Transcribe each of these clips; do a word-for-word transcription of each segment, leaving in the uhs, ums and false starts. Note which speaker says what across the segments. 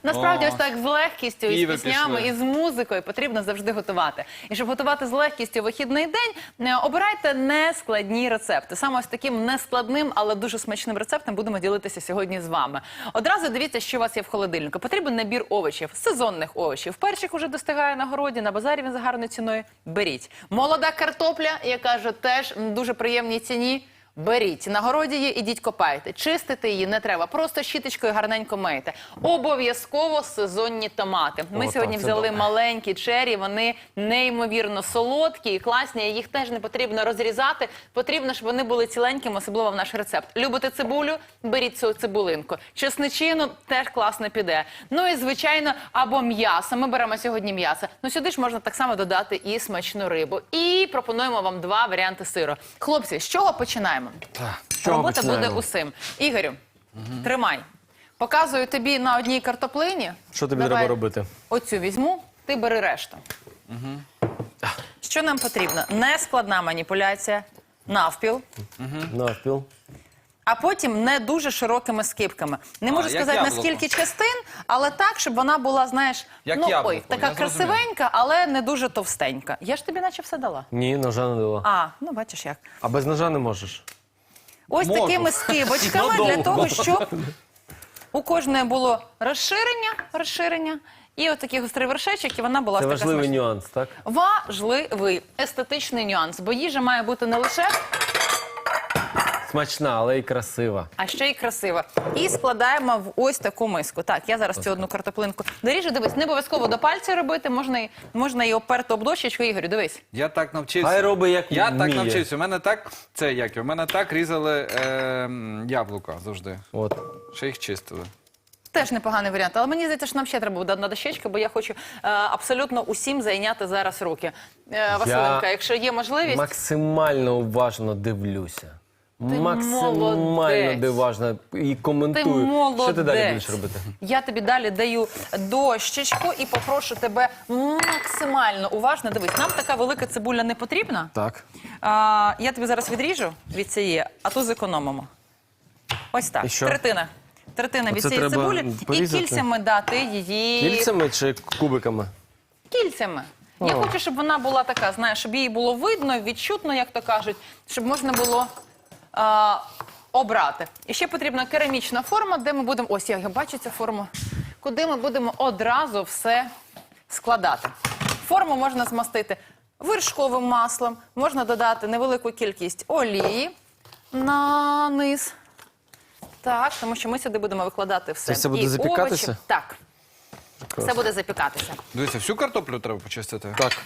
Speaker 1: Насправді,
Speaker 2: О.
Speaker 1: ось так з легкістю,
Speaker 2: І
Speaker 1: і з
Speaker 2: ви
Speaker 1: піснями,
Speaker 2: пішли.
Speaker 1: і з музикою потрібно завжди готувати. І щоб готувати з легкістю вихідний день, е, обирайте нескладні рецепти. Саме ось таким нескладним, але дуже смачним рецептом будемо ділитися сьогодні з вами. Одразу дивіться, що у вас є в холодильнику. Потрібен набір овочів, сезонних овочів. Перчик уже достигає на городі, на базарі він за гарною ціною. Беріть. Молода картопля, яка ж теж в дуже приємній ціні. Беріть. На городі її, ідіть копайте. Чистити її не треба. Просто щіточкою гарненько мийте. Обов'язково сезонні томати. Ми
Speaker 3: О,
Speaker 1: сьогодні
Speaker 3: так, це
Speaker 1: взяли
Speaker 3: добре.
Speaker 1: маленькі чері. Вони неймовірно солодкі і класні. Їх теж не потрібно розрізати. Потрібно, щоб вони були ціленькими, особливо в наш рецепт. Любите цибулю? Беріть цю цибулинку. Чесничину теж класно піде. Ну і, звичайно, або м'ясо. Ми беремо сьогодні м'ясо. Ну сюди ж можна так само додати і смачну рибу. І пропонуємо вам два варіанти сиру. Хлопці, з чого починаємо?
Speaker 3: чого
Speaker 1: Робота
Speaker 3: починаємо?
Speaker 1: буде усім. Ігорю, тримай. Показую тобі на одній картоплині.
Speaker 3: Що тобі
Speaker 1: Давай
Speaker 3: треба робити?
Speaker 1: Оцю візьму, ти бери решту. Що нам потрібно? Нескладна маніпуляція, навпіл,
Speaker 3: Навпіл.
Speaker 1: а потім не дуже широкими скибками. Не можу
Speaker 2: як
Speaker 1: сказати,
Speaker 2: яблуко.
Speaker 1: наскільки частин, але так, щоб вона була, знаєш,
Speaker 2: Як
Speaker 1: ну,
Speaker 2: яблуко,
Speaker 1: ой, така
Speaker 2: я зрозумів.
Speaker 1: красивенька, але не дуже товстенька. Я ж тобі наче все дала.
Speaker 3: Ні, ножа не дала.
Speaker 1: А, ну бачиш як.
Speaker 3: А без ножа не можеш.
Speaker 1: Ось
Speaker 2: Можу.
Speaker 1: такими скибочками
Speaker 3: Ну,
Speaker 1: для
Speaker 3: довго.
Speaker 1: того, щоб у кожної було розширення, розширення і от такий гострий вершечок, і вона була
Speaker 3: Це
Speaker 1: така
Speaker 3: важливий
Speaker 1: смачна.
Speaker 3: нюанс, так?
Speaker 1: Важливий естетичний нюанс, бо їжа має бути не лише,
Speaker 3: Смачна, але й красива.
Speaker 1: а ще й красива. І складаємо в ось таку миску. Так, я зараз цю одну картоплинку доріжу. Дивись, не обов'язково до пальця робити, можна і, можна і оперти об дощечку. Ігорю, дивись.
Speaker 2: Я так навчився.
Speaker 3: Хай робить, як
Speaker 2: Я так
Speaker 3: вміє.
Speaker 2: навчився. У мене так, це як, у мене так різали е, м, яблука завжди.
Speaker 3: От.
Speaker 2: Ще їх чистили.
Speaker 1: Теж непоганий варіант, але мені здається, що нам ще треба буде одна дощечка, бо я хочу е, абсолютно усім зайняти зараз руки. Е, Василенка, якщо є можливість...
Speaker 3: Максимально уважно дивлюся. Максимально
Speaker 1: молодець.
Speaker 3: уважно і коментую.
Speaker 1: Ти молодець.
Speaker 3: Що ти далі будеш робити?
Speaker 1: Я тобі далі даю дощечку і попрошу тебе максимально уважно. Дивись, нам така велика цибуля не потрібна.
Speaker 3: Так.
Speaker 1: А, я тобі зараз відріжу від цієї, а ту зекономимо. Ось так.
Speaker 3: І що?
Speaker 1: Третина. Третина від
Speaker 3: Оце
Speaker 1: цієї
Speaker 3: треба
Speaker 1: цибулі.
Speaker 3: порізати?
Speaker 1: І кільцями дати її...
Speaker 3: Кільцями чи кубиками?
Speaker 1: Кільцями. Я
Speaker 3: О.
Speaker 1: хочу, щоб вона була така, знаєш, щоб її було видно, відчутно, як то кажуть, щоб можна було а, обрати. І ще потрібна керамічна форма, де ми будемо, ось я бачу цю форму, куди ми будемо одразу все складати. Форму можна змастити вершковим маслом, можна додати невелику кількість олії на низ. Так, тому що ми сюди будемо викладати все.
Speaker 3: Це все буде
Speaker 1: І
Speaker 3: запікатися?
Speaker 1: овочі. Так, все буде запікатися.
Speaker 2: Дивіться, всю картоплю треба почистити.
Speaker 3: Так.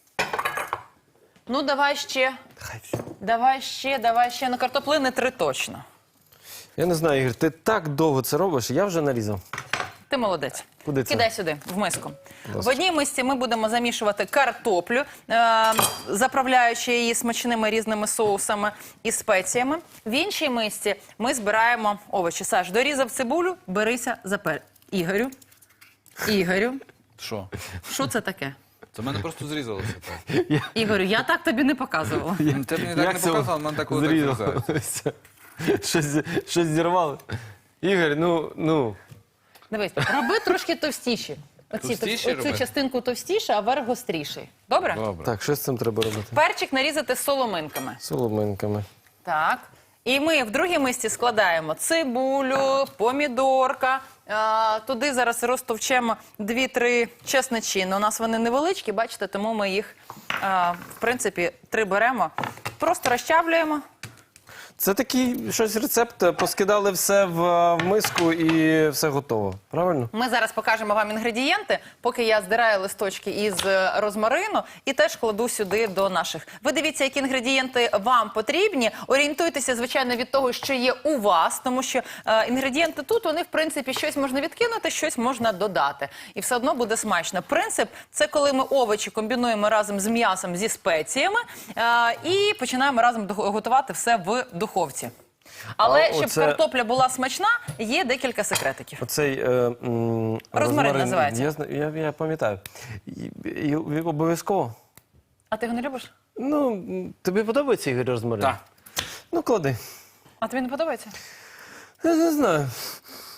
Speaker 1: Ну, давай ще,
Speaker 3: Хай все.
Speaker 1: давай ще, давай ще. Ну, картоплини три точно.
Speaker 3: Я не знаю, Ігор, ти так довго це робиш, я вже нарізав.
Speaker 1: Ти молодець.
Speaker 3: Куди це?
Speaker 1: Кидай сюди, в миску.
Speaker 3: ласка.
Speaker 1: В одній мисці ми будемо замішувати картоплю, е, заправляючи її смачними різними соусами і спеціями. В іншій мисці ми збираємо овочі. Саш, дорізав цибулю, берися за пер. Ігорю, Ігорю,
Speaker 2: Що?
Speaker 1: що це таке?
Speaker 2: Це в мене просто зрізалося так.
Speaker 1: Ігорю, я так тобі не показувала.
Speaker 2: Ти мені так не
Speaker 3: це
Speaker 2: показав, мене так коли так зрізається.
Speaker 3: зрізалося? Щось, щось зірвало. Ігор, ну, ну.
Speaker 1: Дивись, роби трошки товстіші. Оці,
Speaker 2: Товстіші
Speaker 1: оцю
Speaker 2: робити?
Speaker 1: частинку товстіше, а верх гостріший. Добре?
Speaker 2: Добре.
Speaker 3: Так, що з цим треба робити?
Speaker 1: Перчик нарізати соломинками.
Speaker 3: Соломинками.
Speaker 1: Так. І ми в другій мисці складаємо цибулю, помідорка. А, туди зараз розтовчемо дві-три чесничини. У нас вони невеличкі, бачите, тому ми їх, а, в принципі, три беремо. Просто розчавлюємо.
Speaker 3: Це такий щось рецепт, поскидали все в, е, в миску і все готово. Правильно?
Speaker 1: Ми зараз покажемо вам інгредієнти, поки я здираю листочки із е, розмарину і теж кладу сюди до наших. Ви дивіться, які інгредієнти вам потрібні. Орієнтуйтеся, звичайно, від того, що є у вас, тому що е, інгредієнти тут, вони, в принципі, щось можна відкинути, щось можна додати. І все одно буде смачно. Принцип – це коли ми овочі комбінуємо разом з м'ясом, зі спеціями е, і починаємо разом до- готувати все в духовці. Але
Speaker 3: А
Speaker 1: щоб
Speaker 3: оце-
Speaker 1: картопля була смачна, є декілька секретиків.
Speaker 3: Оцей е, м, розмарин,
Speaker 1: називається.
Speaker 3: Я, зна- я, я пам'ятаю. І, і, і обов'язково.
Speaker 1: А ти його не любиш?
Speaker 3: Ну, м, тобі подобається Ігор розмарин?
Speaker 2: Так.
Speaker 3: Ну, клади.
Speaker 1: А тобі не подобається?
Speaker 3: Я не знаю.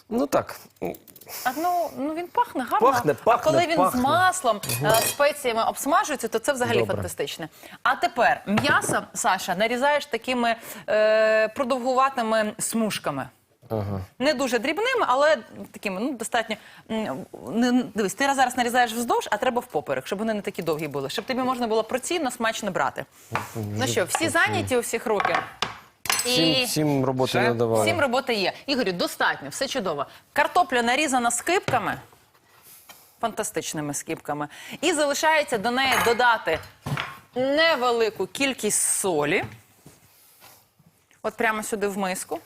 Speaker 3: Ну так.
Speaker 1: А ну, ну він пахне гарно.
Speaker 3: Пахне,
Speaker 1: а
Speaker 3: пахне,
Speaker 1: коли він
Speaker 3: пахне.
Speaker 1: з маслом, е, спеціями обсмажується, то це взагалі
Speaker 3: Добре.
Speaker 1: фантастичне. А тепер м'ясо, Саша, нарізаєш такими е, продовгуватими смужками.
Speaker 3: Ага.
Speaker 1: Не дуже дрібними, але такими, ну, достатньо. м, не- Дивись, ти зараз нарізаєш вздовж, а треба впоперек, щоб вони не такі довгі були, щоб тобі можна було порційно смачно брати. Ну що, всі зайняті у всіх руки?
Speaker 3: Всім, всім роботи
Speaker 2: Ще?
Speaker 3: не давали.
Speaker 1: Всім роботи є. Ігорю, достатньо, все чудово. Картопля нарізана скибками, фантастичними скибками. І залишається до неї додати невелику кількість солі. От прямо сюди в миску.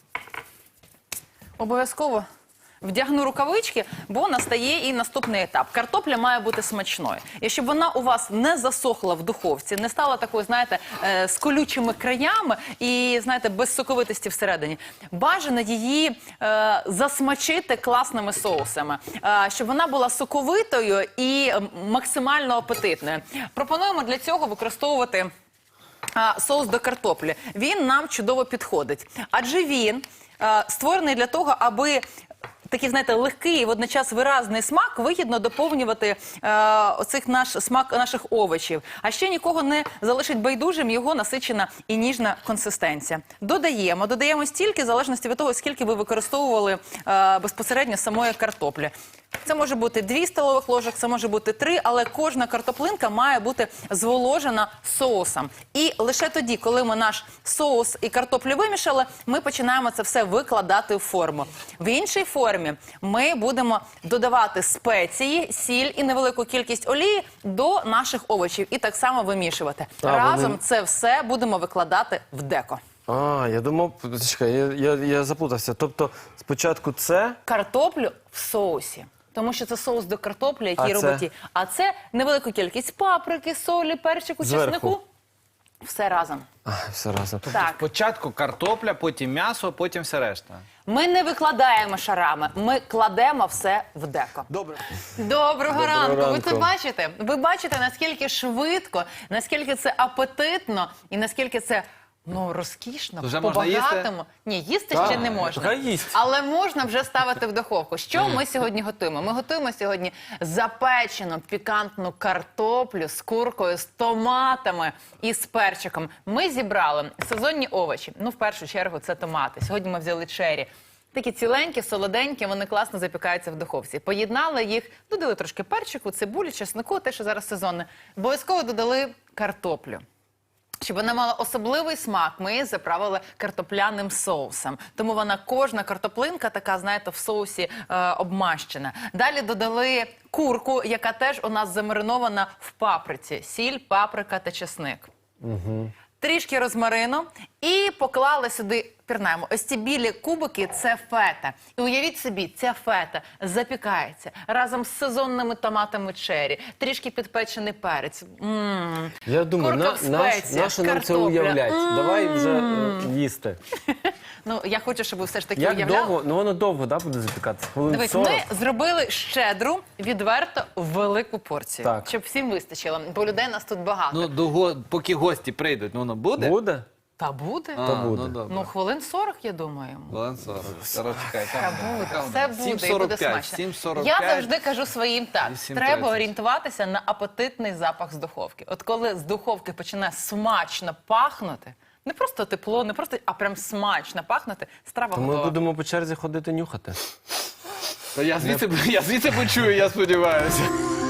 Speaker 1: Обов'язково вдягну рукавички, бо настає і наступний етап. Картопля має бути смачною. І щоб вона у вас не засохла в духовці, не стала такою, знаєте, е, з колючими краями і, знаєте, без соковитості всередині. Бажано її е, засмачити класними соусами, е, щоб вона була соковитою і е, максимально апетитною. Пропонуємо для цього використовувати а, соус до картоплі. Він нам чудово підходить. Адже він а, створений для того, аби такий, знаєте, легкий і водночас виразний смак вигідно доповнювати е, оцих наш смак наших овочів. А ще нікого не залишить байдужим його насичена і ніжна консистенція. Додаємо, додаємо стільки, в залежності від того, скільки ви використовували е, безпосередньо самої картоплі. Це може бути дві столових ложок, це може бути три, але кожна картоплинка має бути зволожена соусом. І лише тоді, коли ми наш соус і картоплю вимішали, ми починаємо це все викладати в форму. В іншій формі ми будемо додавати спеції, сіль і невелику кількість олії до наших овочів і так само вимішувати.
Speaker 3: А,
Speaker 1: Разом
Speaker 3: вони-
Speaker 1: це все будемо викладати в деко.
Speaker 3: А, я думав, чекай, я, я, я заплутався. Тобто спочатку це,
Speaker 1: Картоплю в соусі. Тому що це соус до картоплі, який
Speaker 3: А це?
Speaker 1: робить. її. А це невелика кількість паприки, солі, перчику,
Speaker 3: Зверху.
Speaker 1: чеснику. Все разом.
Speaker 3: а, все разом.
Speaker 1: Так.
Speaker 2: Спочатку картопля, потім м'ясо, потім все решта.
Speaker 1: Ми не викладаємо шарами, ми кладемо все в деко.
Speaker 2: Добре.
Speaker 1: Доброго,
Speaker 3: Доброго
Speaker 1: ранку. Ви
Speaker 3: ранку.
Speaker 1: це бачите? Ви бачите, наскільки швидко, наскільки це апетитно і наскільки це, ну, розкішно,
Speaker 2: Вже можна їсти?
Speaker 1: по-багатому. Ні, їсти
Speaker 3: Так,
Speaker 1: ще не можна.
Speaker 3: хай їсть.
Speaker 1: Але можна вже ставити в духовку. Що ми сьогодні готуємо? Ми готуємо сьогодні запечену пікантну картоплю з куркою, з томатами і з перчиком. Ми зібрали сезонні овочі. Ну, в першу чергу, це томати. Сьогодні ми взяли чері. Такі ціленькі, солоденькі, вони класно запікаються в духовці. Поєднали їх, додали трошки перчику, цибулі, чеснику, те, що зараз сезонне. Обов'язково додали картоплю. Щоб вона мала особливий смак, ми її заправили картопляним соусом. Тому вона, кожна картоплинка така, знаєте, в соусі е, обмащена. Далі додали курку, яка теж у нас замаринована в паприці. Сіль, паприка та чесник. Угу. Трішки розмарину і поклали сюди, пірнаємо, ось ці білі кубики – це фета. І уявіть собі, ця фета запікається разом з сезонними томатами чері, трішки підпечений перець. М-м.
Speaker 3: Я думаю,
Speaker 1: Курка
Speaker 3: на,
Speaker 1: в
Speaker 3: наш,
Speaker 1: спеціях,
Speaker 3: нащо нам це
Speaker 1: картопля.
Speaker 3: уявлять? Давай вже е, їсти.
Speaker 1: Ну, я хочу, щоб ви все ж таки
Speaker 3: Як
Speaker 1: уявляли.
Speaker 3: довго? Ну воно довго, да, буде запікатися? Хвилин
Speaker 1: Дивись,
Speaker 3: сорок?
Speaker 1: ми зробили щедру, відверто велику порцію,
Speaker 3: Так.
Speaker 1: щоб всім вистачило, бо людей нас тут багато.
Speaker 2: Ну, до го... поки гості прийдуть, ну воно буде?
Speaker 3: Буде?
Speaker 1: Та буде?
Speaker 2: А,
Speaker 3: Та буде.
Speaker 2: Ну, добре.
Speaker 1: Ну, хвилин сорок, я думаю.
Speaker 2: Хвилин сорок. Зараз чекай,
Speaker 1: Та
Speaker 2: там,
Speaker 1: буде,
Speaker 2: там,
Speaker 1: все буде, і буде
Speaker 2: сім сорок п'ять,
Speaker 1: смачно.
Speaker 2: сім сорок
Speaker 1: Я
Speaker 2: п'ять.
Speaker 1: завжди кажу своїм так,
Speaker 2: вісім
Speaker 1: треба
Speaker 2: тридцять.
Speaker 1: орієнтуватися на апетитний запах з духовки. От коли з духовки починає смачно пахнути, не просто тепло, не просто, а прям смачно пахнути, страва
Speaker 3: То ми
Speaker 1: готова.
Speaker 3: будемо по черзі ходити нюхати.
Speaker 2: Та я звідси, я звідси почую, я сподіваюся.